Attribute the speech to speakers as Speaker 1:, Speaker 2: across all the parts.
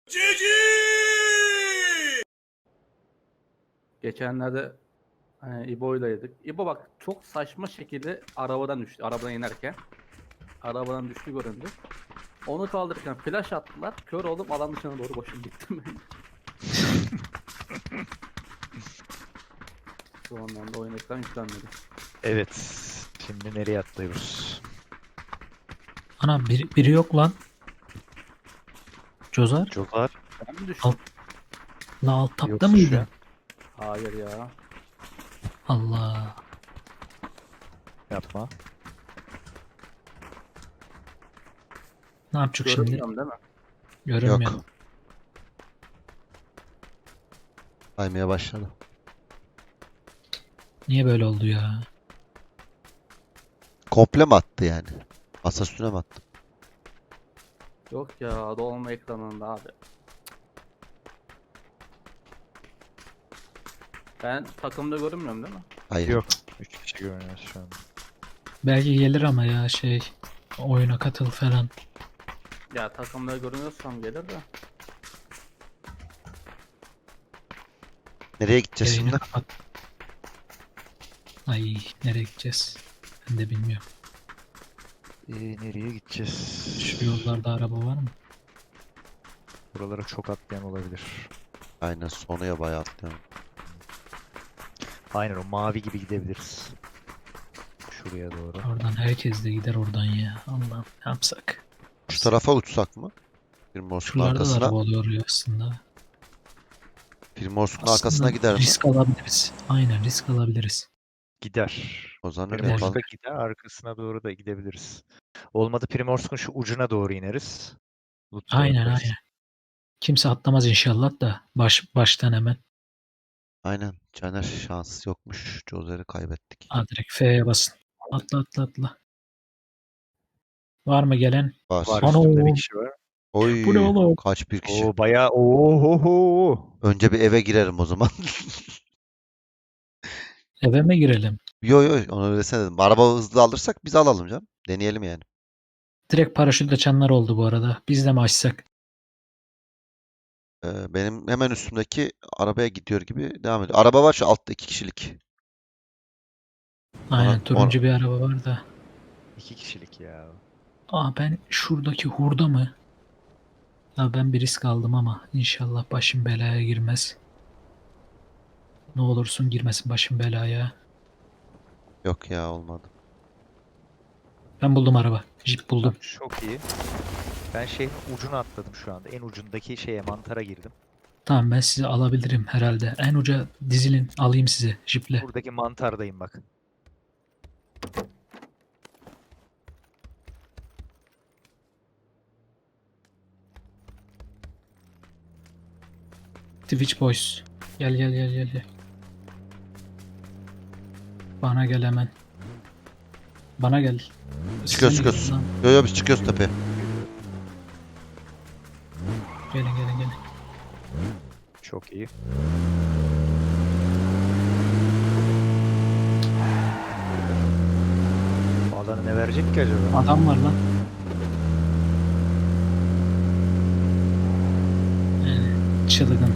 Speaker 1: Geçenlerde İbo'ylaydık. İbo bak çok saçma şekilde arabadan düştü. Arabadan inerken. Arabadan düştü göründü. Onu kaldırırken flash attılar. Kör oldum alan dışına doğru koşup gittim. Şu andan da oyun ekran yüklenmedi.
Speaker 2: Evet. Şimdi nereye atlıyoruz?
Speaker 3: Ana biri yok lan. Cozar.
Speaker 2: Cozar
Speaker 1: Ben mi düştüm?
Speaker 3: La alt tapta
Speaker 2: yoksa
Speaker 3: mıydın?
Speaker 2: şu an.
Speaker 1: Hayır ya.
Speaker 3: Allah.
Speaker 2: Yapma.
Speaker 3: Ne yapacak şimdi?
Speaker 1: Görünmüyorum değil mi?
Speaker 3: Görünmüyor.
Speaker 4: Yok. Saymaya başladı.
Speaker 3: Niye böyle oldu ya?
Speaker 4: Komple mi attı yani? Masa üstüne mi attı?
Speaker 1: Yok ya dolma ekranında abi. Ben takımda görünmüyorum değil mi?
Speaker 4: Hayır.
Speaker 2: Yok. 3 kişi görünüyoruz şu an.
Speaker 3: Belki gelir ama ya oyuna katıl falan.
Speaker 1: Ya takımda görünüyorsam gelir de.
Speaker 4: Nereye gideceğiz
Speaker 3: Yayını
Speaker 4: şimdi?
Speaker 3: kapat. Ay nereye gideceğiz? Ben de bilmiyorum.
Speaker 2: Nereye gideceğiz?
Speaker 3: Şu yollarda araba var mı?
Speaker 2: Buralara çok atlayan olabilir.
Speaker 4: Aynen sonuya bayağı atlıyorum.
Speaker 2: Aynen o mavi gibi gidebiliriz. Şuraya doğru.
Speaker 3: Oradan herkes de gider oradan ya. Allah'ım ne yapsak?
Speaker 4: Şu tarafa uçsak mı? Primors'un
Speaker 3: Şuralarda da
Speaker 4: arkasına.
Speaker 3: araba oluyor ya aslında.
Speaker 4: Primors'un
Speaker 3: Aslında
Speaker 4: arkasına gider mi?
Speaker 3: risk alabiliriz. Aynen risk alabiliriz.
Speaker 2: Gider.
Speaker 4: O zaman öyle
Speaker 3: Gider.
Speaker 4: yapalım.
Speaker 2: Primorsk'a gider, arkasına doğru da gidebiliriz. Olmadı Primorsk'un şu ucuna doğru ineriz. Loot da
Speaker 3: Aynen
Speaker 2: yaparız.
Speaker 3: aynen. Kimse atlamaz inşallah da baştan hemen.
Speaker 4: Aynen. Caner şans yokmuş. Jozer'i kaybettik.
Speaker 3: Ha, direkt F'ye basın. Atla atla atla. Var mı gelen?
Speaker 4: Var.
Speaker 2: Var
Speaker 3: Ano.
Speaker 2: üstümde bir kişi var.
Speaker 4: Oy.
Speaker 3: Bu ne oğlum?
Speaker 4: Kaç bir kişi.
Speaker 2: Oo bayağı oho.
Speaker 4: Önce bir eve girelim o zaman.
Speaker 3: Eve mi girelim?
Speaker 4: Yo yo onu desene dedim. Araba hızlı alırsak biz alalım canım. Deneyelim yani.
Speaker 3: Direkt paraşüt açanlar oldu bu arada. Biz de mi açsak?
Speaker 4: Benim hemen üstümdeki arabaya gidiyor gibi devam ediyor. Araba var şu altta 2 kişilik.
Speaker 3: Aynen turuncu bir araba var da.
Speaker 2: 2 kişilik ya.
Speaker 3: Ben şuradaki hurda mı? Ya ben bir risk aldım ama inşallah başım belaya girmez. Ne olursun girmesin başım belaya.
Speaker 4: Yok ya olmadı.
Speaker 3: Ben buldum araba. Jeep buldum.
Speaker 2: Tamam, çok iyi. Ben şeyin ucuna atladım şu anda. En ucundaki şeye mantara girdim.
Speaker 3: Tamam ben sizi alabilirim herhalde. En uca dizilin alayım sizi jiple.
Speaker 2: Buradaki mantardayım bak.
Speaker 3: Twitch Boys. Gel. Bana gel hemen. Bana gel.
Speaker 4: Çıkıyoruz
Speaker 3: Size mi
Speaker 4: çıkıyoruz.
Speaker 3: lan?
Speaker 4: Yo yo biz çıkıyoruz tepeye.
Speaker 3: Gelin.
Speaker 2: Çok iyi. Alanı ne verecek ki acaba?
Speaker 3: Adam var lan. Yani çılgın.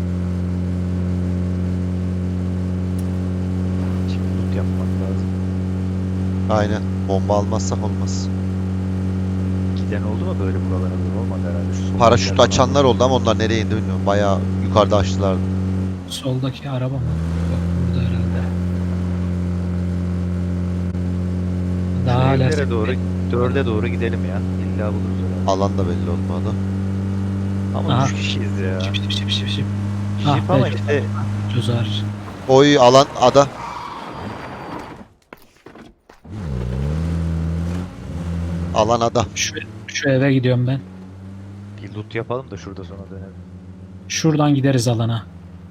Speaker 2: Şimdi loot yapmak lazım.
Speaker 4: Aynen. Bomba almazsak olmaz.
Speaker 2: Giden oldu mu böyle buralara doğru? Olmadı herhalde. Şu soldakiler
Speaker 4: Paraşüt
Speaker 2: falan.
Speaker 4: açanlar oldu ama onlar nereye indi bilmiyorum. Bayağı yukarıda açtılardı.
Speaker 3: Soldaki araba mı? Yok burada herhalde. Daha
Speaker 2: Şu
Speaker 3: hala
Speaker 2: evlere doğru, 4'e doğru gidelim ya. İlla buluruz herhalde.
Speaker 4: Alan da belli olmadı.
Speaker 2: Ama
Speaker 3: Aha.
Speaker 2: 3 kişiyiz ya.
Speaker 3: Şip.
Speaker 2: Jeep
Speaker 3: Ah
Speaker 2: ama
Speaker 3: be,
Speaker 2: işte
Speaker 3: Cozar.
Speaker 4: Oy alan ada. Alan ada.
Speaker 3: Şu eve gidiyorum ben.
Speaker 2: bir loot yapalım da şurada sonra dönelim.
Speaker 3: Şuradan gideriz alana.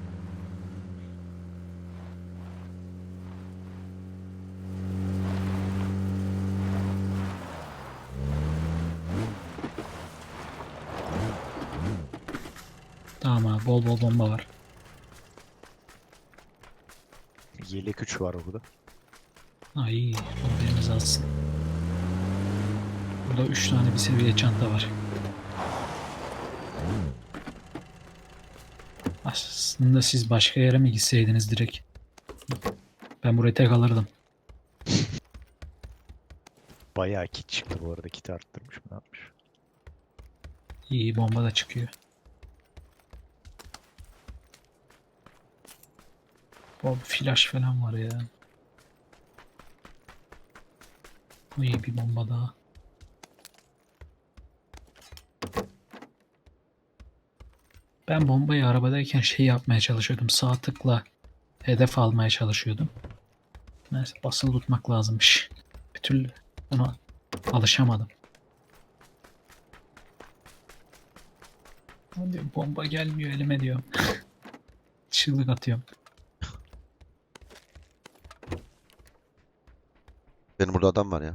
Speaker 3: Tamam abi bol bomba var.
Speaker 2: Yelek 3 var burada.
Speaker 3: Ay haberiniz alsın. Burada 3 tane bir seviye çanta var. Aslında siz başka yere mi gitseydiniz direkt? Ben burayı tek alırdım.
Speaker 2: Bayağı kit çıktı bu arada. Kiti arttırmış mı ne yapmış?
Speaker 3: İyi bomba da çıkıyor. O flash falan var ya. İyi bir bomba daha. Ben bombayı arabadayken şey yapmaya çalışıyordum. Sağ tıkla hedef almaya çalışıyordum. Neyse basılı tutmak lazımmış. Bir türlü ona alışamadım. Hadi bomba gelmiyor elime diyorum. Çığlık atıyorum.
Speaker 4: Benim burada adam var ya.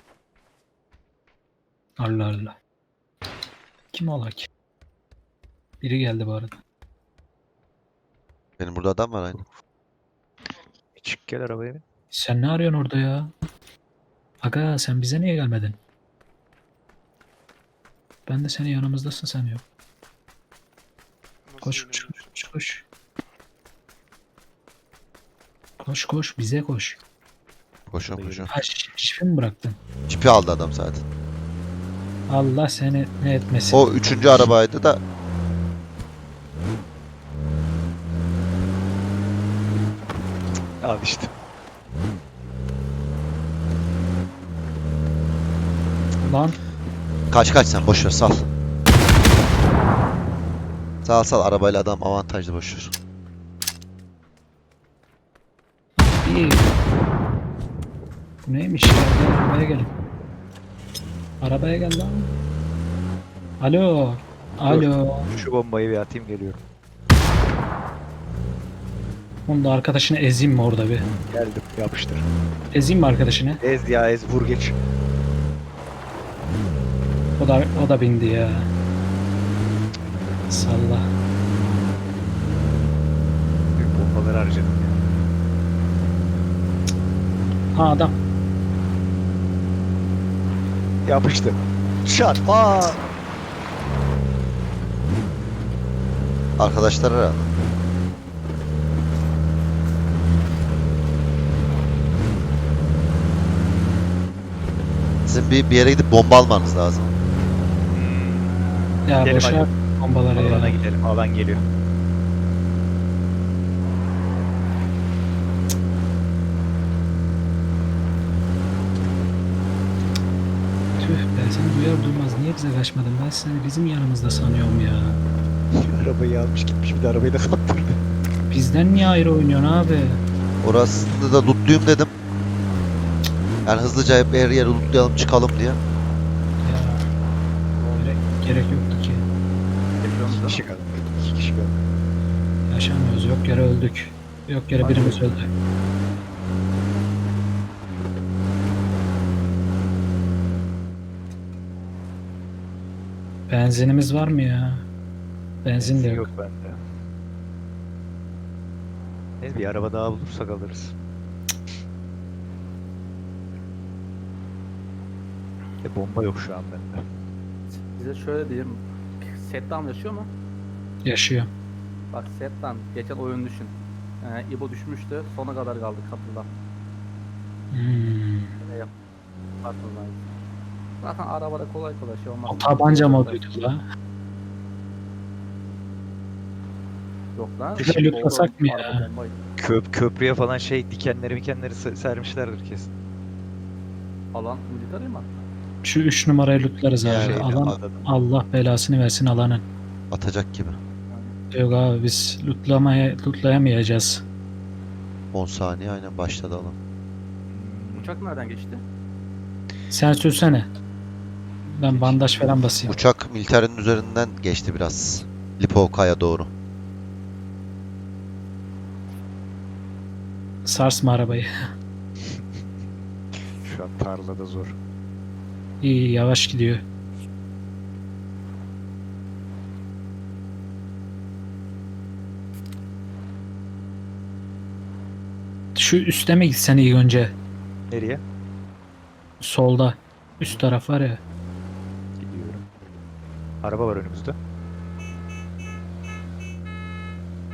Speaker 3: Allah Allah. Kim ola ki? Biri geldi bu arada.
Speaker 4: Benim burada adam var aynı.
Speaker 2: Çık gel arabaya bin.
Speaker 3: Sen ne arıyorsun orada ya? Aga sen bize niye gelmedin? Ben de senin yanımızdasın sanıyorum.
Speaker 5: Nasıl
Speaker 3: Koş
Speaker 5: yine
Speaker 3: koş koş koş. Koş koş bize koş.
Speaker 4: Koşuyorum koşuyorum.
Speaker 3: Ha şifi mi bıraktın?
Speaker 4: Çipi aldı adam zaten.
Speaker 3: Allah seni ne etmesin.
Speaker 4: O 3. arabaydı da
Speaker 2: Al işte.
Speaker 3: Lan
Speaker 4: kaç sen boş ver sal. Sal arabayla adam avantajlı boş ver.
Speaker 3: iyi. Bu neymiş ya? Gel, arabaya gelin. Arabaya gel lan. Alo. Alo.
Speaker 2: Şu bombayı bir atayım geliyorum.
Speaker 3: Onu da arkadaşını ezeyim mi orada bir?
Speaker 2: Geldim yapıştır.
Speaker 3: Ezeyim mi arkadaşını?
Speaker 2: Ez ya ez vur geç.
Speaker 3: O da bindi ya. Salla.
Speaker 2: Büyük bombaları harcadım ya.
Speaker 3: Ha adam.
Speaker 2: Yapıştı. Şat. Aa.
Speaker 4: Arkadaşlar herhalde. Sizin bir yere gidip bomba almanız lazım.
Speaker 3: Ya
Speaker 2: Gidelim
Speaker 3: boşver
Speaker 2: hadi.
Speaker 3: bombaları
Speaker 2: Alana
Speaker 3: ya.
Speaker 2: gidelim. Alan geliyor.
Speaker 3: Tüh be seni duyar duymaz niye bize kaçmadın? Ben seni bizim yanımızda sanıyorum ya.
Speaker 2: Arabayı almış gitmiş bir de arabayı da kaptırdı.
Speaker 3: Bizden niye ayrı oynuyorsun abi?
Speaker 4: Orasında da lootluyum dedim. Yani hızlıca hep her yeri lootlayalım çıkalım diye.
Speaker 3: Ya. Gerek yoktu ki.
Speaker 1: Yapıyorsunuz
Speaker 2: İki
Speaker 1: değil
Speaker 2: kişi
Speaker 1: mi?
Speaker 2: kaldı. 2 kişi kaldı.
Speaker 3: Yaşamıyoruz. Yok yere öldük. Yok yere birimiz öldü. Benzinimiz var mı ya? Benzin de yok.
Speaker 2: Yok bende. Neyse bir araba daha bulursak alırız. Bomba yok şu an bende.
Speaker 1: Size şöyle diyeyim. Settan yaşıyor mu?
Speaker 3: Yaşıyor.
Speaker 1: Bak Settan geçen oyun düşün. İbo düşmüştü. Sona kadar kaldı kapıda. Ne yap? Farkındayım. Zaten arabada kolay kolay şey olmaz.
Speaker 3: O tabanca moduydu la.
Speaker 1: Yok lan.
Speaker 3: Bir de lootlasak mı ya?
Speaker 1: Araba bombaydı.
Speaker 2: Köprüye falan şey dikenleri sermişlerdir kesin.
Speaker 1: Alan military mi?
Speaker 3: Şu 3 numarayı lootlarız abi.
Speaker 4: Yani
Speaker 3: Alan
Speaker 2: Adadan.
Speaker 3: Allah belasını versin alanın.
Speaker 4: Atacak gibi.
Speaker 3: Yok abi biz lootlayamayacağız.
Speaker 4: 10 saniye aynen başladı alan.
Speaker 1: Uçak nereden geçti?
Speaker 3: Sen sürsene. Ben bandaj falan basayım.
Speaker 4: Uçak militerin üzerinden geçti biraz. Lipovka'ya doğru.
Speaker 3: Sarsma arabayı.
Speaker 2: Şu an tarlada zor.
Speaker 3: İyi yavaş gidiyor. Şu üste mi gitsen iyi önce?
Speaker 2: Nereye?
Speaker 3: Solda. Üst taraf var ya.
Speaker 2: Gidiyorum. Araba var önümüzde.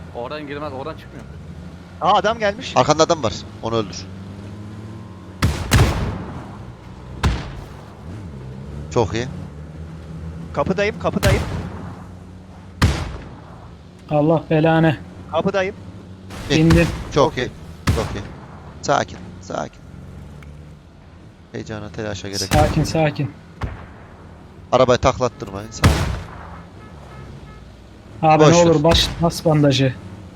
Speaker 1: Oradan girmez, oradan çıkmıyor.
Speaker 2: Aa adam gelmiş.
Speaker 4: Arkanda adam var. Onu öldür. Çok iyi.
Speaker 2: Kapıdayım, kapıdayım.
Speaker 3: Allah belanı.
Speaker 2: Kapıdayım.
Speaker 3: İndim.
Speaker 4: Çok iyi. Çok iyi. Sakin. Sakin. Heyecana, telaşa gerek yok.
Speaker 3: Sakin sakin.
Speaker 4: Arabayı taklattırmayın. Sakin.
Speaker 3: Abi
Speaker 4: Boş
Speaker 3: ne
Speaker 4: ver.
Speaker 3: olur bas bandajı.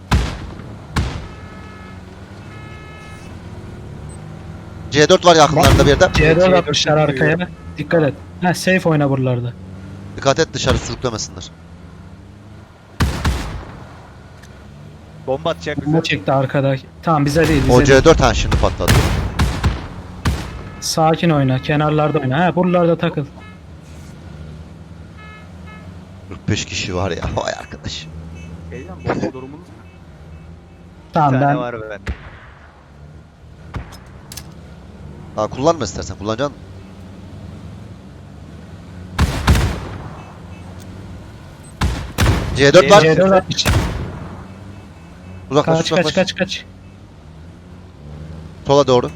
Speaker 4: C4 var yakınlarında bir yerde.
Speaker 3: C4
Speaker 2: C4
Speaker 3: atmışlar arkaya. Dikkat et. Ha safe oyna buralarda.
Speaker 4: Dikkat et dışarı sürüklemesinler.
Speaker 2: Bomba atacak bize.
Speaker 3: Bomba çekti arkada. Tamam bize değil
Speaker 4: O
Speaker 3: bize değil.
Speaker 4: C4 şimdi patladı.
Speaker 3: Sakin oyna. Kenarlarda oyna. Ha buralarda takıl.
Speaker 4: 45 kişi var ya. Vay arkadaş.
Speaker 1: Heyecan, bomba durumunuz ne?
Speaker 2: Bir
Speaker 3: Tamam
Speaker 2: tane
Speaker 3: ben
Speaker 2: var bende.
Speaker 4: Ha, kullanma istersen. Kullanacaksın mı? C4 var.
Speaker 3: C4 atmış.
Speaker 4: Uzaklaş
Speaker 3: Kaç
Speaker 4: uzaklaş.
Speaker 3: kaç.
Speaker 4: Sola doğru.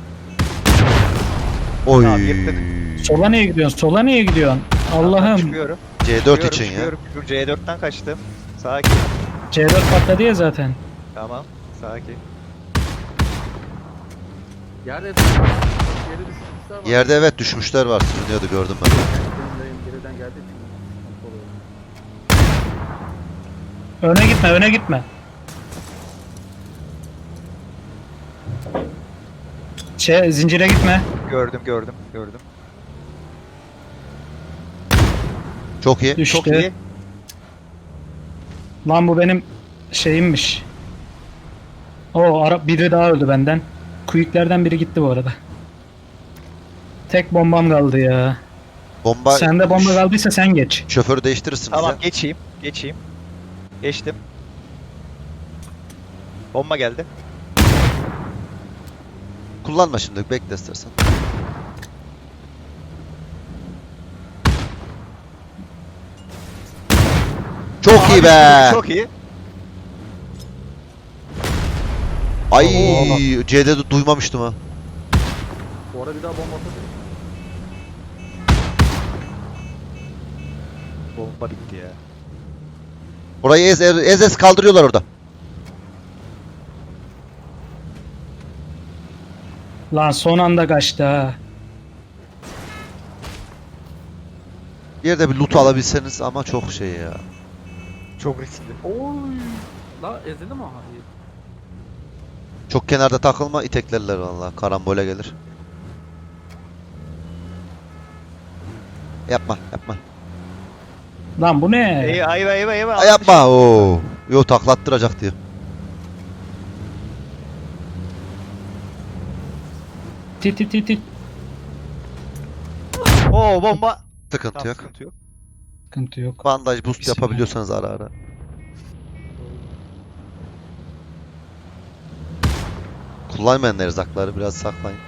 Speaker 4: Oy.
Speaker 2: Tamam, yırttık.
Speaker 3: Sola niye gidiyorsun? Sola niye gidiyorsun? Allah'ım.
Speaker 2: Çıkıyorum.
Speaker 4: C4 için ya.
Speaker 2: Çıkıyorum. C4'ten kaçtım. Sakin.
Speaker 3: C4 patladı ya zaten.
Speaker 2: Tamam. Sakin.
Speaker 1: Yerde düşmüşler var.
Speaker 4: Yerde evet düşmüşler var. Sürünüyordu gördüm ben.
Speaker 1: Geriden geldiği için sıkıntı oluyor.
Speaker 3: Öne gitme. Zincire gitme.
Speaker 2: Gördüm.
Speaker 4: Çok iyi.
Speaker 3: Düştü.
Speaker 2: Çok iyi.
Speaker 3: Lan bu benim şeyimmiş. Biri daha öldü benden. Quick'lerden biri gitti bu arada. Tek bombam kaldı ya.
Speaker 4: Bomba.
Speaker 3: Sende bomba kaldıysa sen geç.
Speaker 4: Şoförü değiştirirsiniz
Speaker 2: Tamam
Speaker 4: ya.
Speaker 2: geçeyim. Geçtim. Bomba geldi.
Speaker 4: Kullanma şimdi. Bekle istersen. Çok iyi be.
Speaker 2: Çok iyi.
Speaker 4: Ay
Speaker 2: Oo.
Speaker 4: C'de duymamıştım ha.
Speaker 1: Bu arada bir daha bomba atabilir.
Speaker 2: Bomba bitti ya.
Speaker 4: Orayı ez kaldırıyorlar orada.
Speaker 3: Lan son anda kaçtı ha.
Speaker 4: Bir yerde bir loot alabilseniz ama çok şey ya.
Speaker 2: Çok riskli.
Speaker 1: Oy. La ezildi mi o? Hayır.
Speaker 4: Çok kenarda takılma iteklerler vallahi. Karambole gelir. Yapma.
Speaker 3: Lan bu ne?
Speaker 2: Eyvah.
Speaker 4: Ay yapma. Oo. Yo taklattıracak diyor.
Speaker 3: Tit.
Speaker 2: Oo bomba.
Speaker 4: Sıkıntı
Speaker 2: Tamam,
Speaker 4: yok.
Speaker 2: sıkıntı yok.
Speaker 3: Sıkıntı yok.
Speaker 4: Bandaj boost
Speaker 3: Bismillah.
Speaker 4: yapabiliyorsanız ara ara. Kullanmayın erzakları biraz saklayın.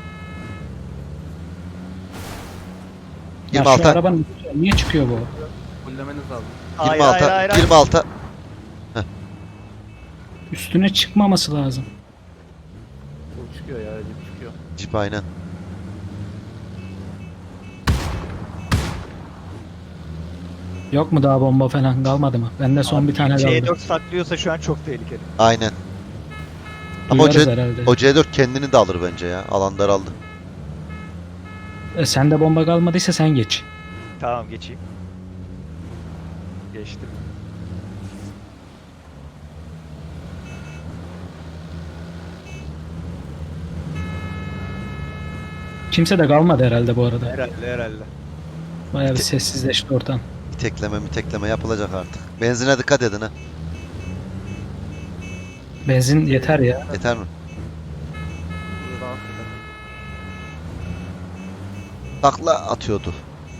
Speaker 3: Ya şu
Speaker 4: 26.
Speaker 3: arabanın niye çıkıyor bu?
Speaker 1: Fullemeniz lazım.
Speaker 2: Hayır,
Speaker 4: 26.
Speaker 2: hayır.
Speaker 4: 26.
Speaker 3: Üstüne çıkmaması lazım.
Speaker 1: Bu çıkıyor ya, cip çıkıyor.
Speaker 4: Cip aynen.
Speaker 3: Yok mu daha bomba falan kalmadı mı? Bende son bir tane kaldı.
Speaker 2: C4 saklıyorsa şu an çok tehlikeli.
Speaker 4: Aynen. Ama o,
Speaker 3: Duyarız
Speaker 4: C-
Speaker 3: herhalde.
Speaker 4: o C4 kendini de alır bence ya. Alan daraldı.
Speaker 3: Sende bomba kalmadıysa sen geç.
Speaker 2: Tamam geçeyim. Geçtim.
Speaker 3: Kimse de kalmadı herhalde bu arada.
Speaker 2: Herhalde.
Speaker 3: Bayağı bir sessizleşti ortam.
Speaker 4: Mitekleme yapılacak artık. Benzine dikkat edin ha.
Speaker 3: Benzin yeter ya.
Speaker 4: Yeter mi?
Speaker 1: Burada rahat eder.
Speaker 4: Takla atıyordu.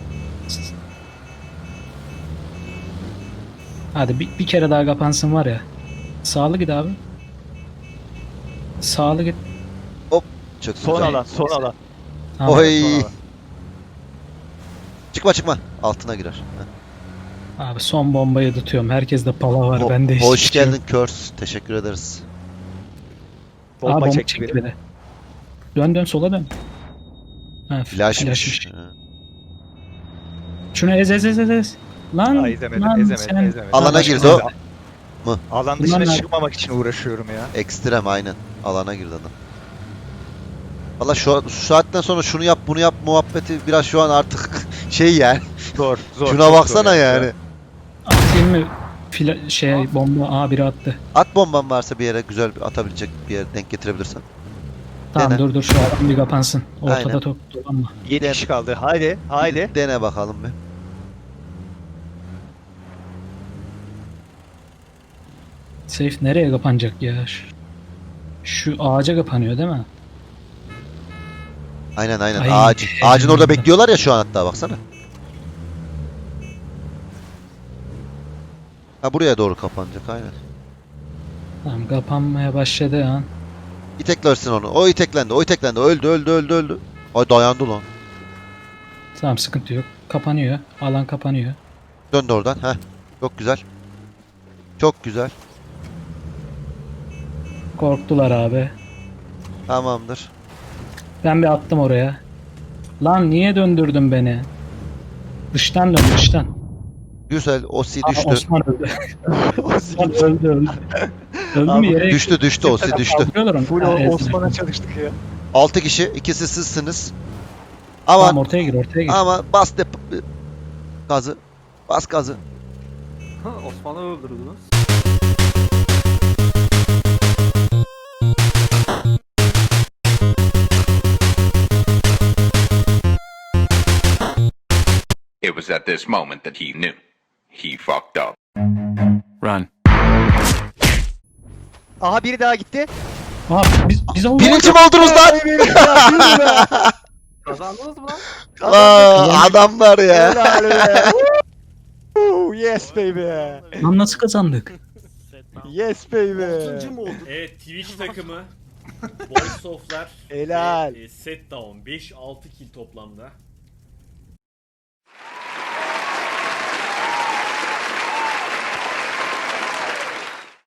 Speaker 3: Hadi bir kere daha kapansın var ya. Sağlı git abi. Sağlı git.
Speaker 4: Çok
Speaker 2: Son
Speaker 4: güzel.
Speaker 2: alan.
Speaker 3: Tamam.
Speaker 4: Oy.
Speaker 2: Son alan.
Speaker 4: Çıkma. Altına girer. Heh.
Speaker 3: Abi son bombayı tutuyorum. Herkeste pala var. Bende hiçbir
Speaker 4: Hoş
Speaker 3: şey yok.
Speaker 4: geldin Körs. Teşekkür ederiz.
Speaker 3: Bomba
Speaker 2: Bomba çekti
Speaker 3: çekti
Speaker 2: biri.
Speaker 3: biri. Dön sola dön. Ha,
Speaker 4: Flashmış.
Speaker 3: flashmış. Şunu ez. Lan,
Speaker 2: Aa, ezemedim,
Speaker 3: lan
Speaker 2: ezemedim,
Speaker 3: sen.
Speaker 2: ezemedim.
Speaker 4: Alana
Speaker 3: Başka
Speaker 4: girdi o.
Speaker 3: zaman.
Speaker 2: Alan
Speaker 3: Bunlar
Speaker 2: dışına
Speaker 3: nerede?
Speaker 2: çıkmamak için uğraşıyorum ya.
Speaker 4: Ekstrem aynen. Alana girdi adam. Valla şu saatten sonra şunu yap bunu yap muhabbeti biraz şu an artık şey yani.
Speaker 2: Zor.
Speaker 4: Şuna
Speaker 2: çok
Speaker 4: baksana
Speaker 2: zor
Speaker 4: yani.
Speaker 3: Atayım mı? Bomba biri attı.
Speaker 4: At bomban varsa bir yere güzel bir atabilecek bir yere denk getirebilirsen.
Speaker 3: Tamam
Speaker 4: Dene.
Speaker 3: dur şu adam bir kapansın. Ortada
Speaker 4: Aynen.
Speaker 3: dolanma.
Speaker 2: 7 kişi kaldı. Haydi.
Speaker 4: Dene bakalım bir.
Speaker 3: Safe nereye kapanacak ya? Şu ağaca kapanıyor değil mi?
Speaker 4: Aynen
Speaker 3: Ay,
Speaker 4: ağacın orada
Speaker 3: heyecanlandım.
Speaker 4: bekliyorlar ya şu an hatta baksana. Ha buraya doğru kapanacak aynen.
Speaker 3: Tamam kapanmaya başladı an.
Speaker 4: İteklersin onu. O iteklendi. Öldü. Ay dayandı lan.
Speaker 3: Tamam sıkıntı yok. Kapanıyor. Alan kapanıyor.
Speaker 4: Döndü oradan. Heh. Çok güzel. Çok güzel.
Speaker 3: Korktular abi.
Speaker 4: Tamamdır.
Speaker 3: Ben bir attım oraya. Lan niye döndürdün beni? Dıştan dön dıştan.
Speaker 4: Güzel. Osi
Speaker 3: Aa,
Speaker 4: düştü.
Speaker 3: Osman öldü. Osman öldü. Öldü
Speaker 2: Abi,
Speaker 3: mü yere?
Speaker 4: Düştü. Osi düştü.
Speaker 3: Kaldırıyorlar onu.
Speaker 2: Full
Speaker 3: Ha, ezdiler.
Speaker 2: Osman'a çalıştık ya.
Speaker 4: 6 kişi. İkisi sizsiniz.
Speaker 3: Tamam
Speaker 4: Ama
Speaker 3: ortaya gir.
Speaker 4: ama bas gazı. Bas gazı.
Speaker 1: Osman'ı öldürdünüz.
Speaker 6: It was at this moment that he knew. He fucked up.
Speaker 7: Run.
Speaker 2: Aha biri daha gitti.
Speaker 3: Aa biz olduk.
Speaker 4: Birinci mi oldunuz lan?
Speaker 1: Kazandınız mı lan?
Speaker 4: Aa, adamlar ya.
Speaker 2: Helal be. Woo, yes baby.
Speaker 3: Lan nasıl kazandık?
Speaker 2: Yes baby.
Speaker 8: Evet Twitch takımı Boys of'lar
Speaker 2: Helal.
Speaker 8: ve set down 5-6 kill toplamda.